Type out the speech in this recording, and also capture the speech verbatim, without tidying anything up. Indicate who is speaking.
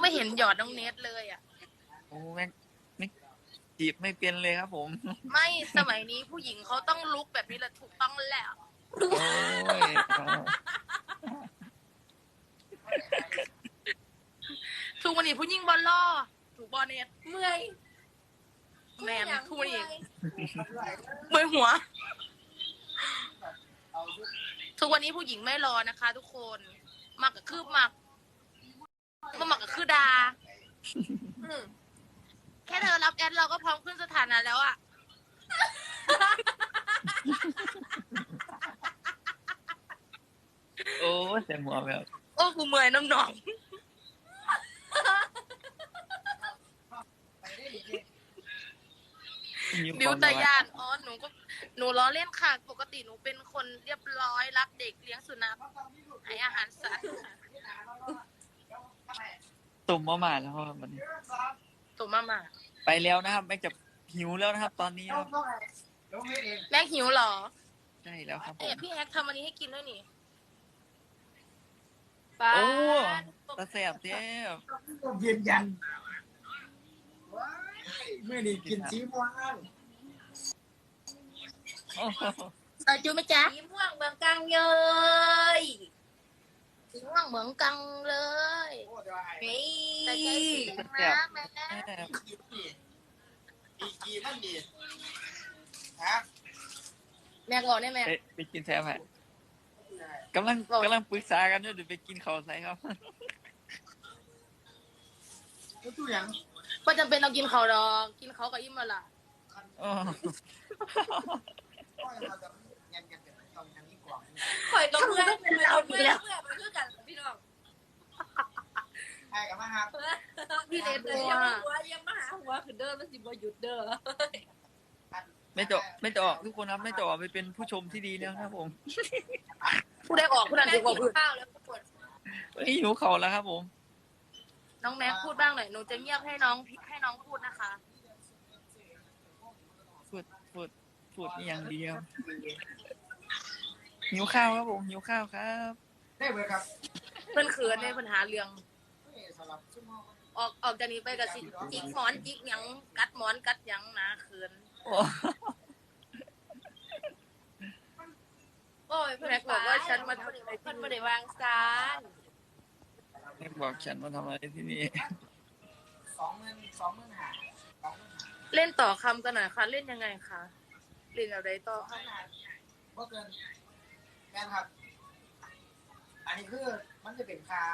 Speaker 1: ไม่เห็นหยอดน้องเนทเลยอ่ะ
Speaker 2: โอ้แม็กไม่จีบไม่เป็นเลยครับผม
Speaker 1: ไม่สมัยนี้ผู้หญิงเขาต้องลุกแบบนี้แหละถูกต้องแล้ว
Speaker 2: โอ้ย
Speaker 1: ทุกวันนี้ผู้หญิงบอลล่อถูกบอลเนท
Speaker 3: เมื่อย
Speaker 1: แมนทุกวันนี้เมื่อยหัวทุกวันนี้ผู้หญิงไม่รอนะคะ ทุกคนมักกับคืบมักมามักกับคือดาแค่เธอรับแอดเราก็พร้อมขึ้นสถานะแล้วอะ
Speaker 2: โอ้เสียงหัวแบบ
Speaker 1: โอ้กูเมื่อยน้องๆบิวตายานอ๋อหนูก็หนูล้อเล่นค่ะปกติหนูเป็นคนเรียบร้อยรักเด็กเลี้ยงสุนัขให้อาหารสัตว์
Speaker 2: ตุ่มมาหมาแล้วครับวันนี้
Speaker 1: ตุ่มมามา
Speaker 2: ไปแล้วนะครับแม็กจะหิวแล้วนะครับตอนนี้ครับ
Speaker 1: แม่หิวหรอ
Speaker 2: ใช่แล้วครับ
Speaker 1: เอ๊ะพี่แฮกทำอันนี้ให้กินด้วยนี่
Speaker 2: โอ้ตาแสบเทพ
Speaker 4: ยืนยันเมื่อนี้กินชีม่วง
Speaker 1: ใส่จูไหมจ๊ะ
Speaker 3: สีม่วงเมืองกังเยย
Speaker 1: สีม่วงเหมืองกังเลย
Speaker 3: เฮ้ย
Speaker 1: แต่ใจสีนะแม่
Speaker 4: อีกีมันดีฮะ
Speaker 1: แม่ก่อนได้ไหม
Speaker 2: ไปกินแซ่บไหมกำลังกำลังปรึกษากันด้วยเดี๋ยวไปกินข้าวใส่ครับ
Speaker 4: ตู้ยัง
Speaker 1: ก็จำเป็นต้องกินเขาดอกกินเขากับอิ่มมาล่ะ
Speaker 3: ข่อยก็เมื่อยเป็นเราเมื่อยเมื่อยมันคือกันพี่น้อง
Speaker 4: ใช่กับมาครับ
Speaker 1: พี่เนทบัว
Speaker 3: หัวยังมาหาหัวคือเด้อมันสิบ่หยุดเด้อ
Speaker 2: ไม่จะไม่จะออกทุกคนครับไม่จะออกไปเป็นผู้ชมที่ดีแล้วครับผม
Speaker 1: ผู้ได้ออกผู้นั้นจะออกพื้น
Speaker 3: ข้าวแล้วปวด
Speaker 2: หิวเข่าแล้วครับผม
Speaker 1: น้องแม็กพูดบ้างหน่อยหนูจะเงียบให้น้องให้น้องพูดนะคะ
Speaker 2: พูดพูดพูดอย่างเดียวหิวข้าวครับผมหิวข้าวครับ
Speaker 4: ได้เลยครับ
Speaker 1: เพื่อนเขินในปัญหาเรื่องออกออกจากนี้ไปกับสิจิกหมอนจิกหยังกัดหมอนกัดหยังนะเขิน
Speaker 3: โอ้ยเพื่อนบอกว่าฉันมาทำอะไรเพื่อนไม่ได้วางซาน
Speaker 2: แม่บอกฉันมาทำอะไรที่นี่
Speaker 4: สองหมื่นสองหมื่นห้า
Speaker 1: เล่นต่อคำกันหน่อยค่ะเล่นยังไงคะเล่นอะไรต่อ
Speaker 4: เมื่อเกินแม่ครับอันนี้คือมันจะเป็นคา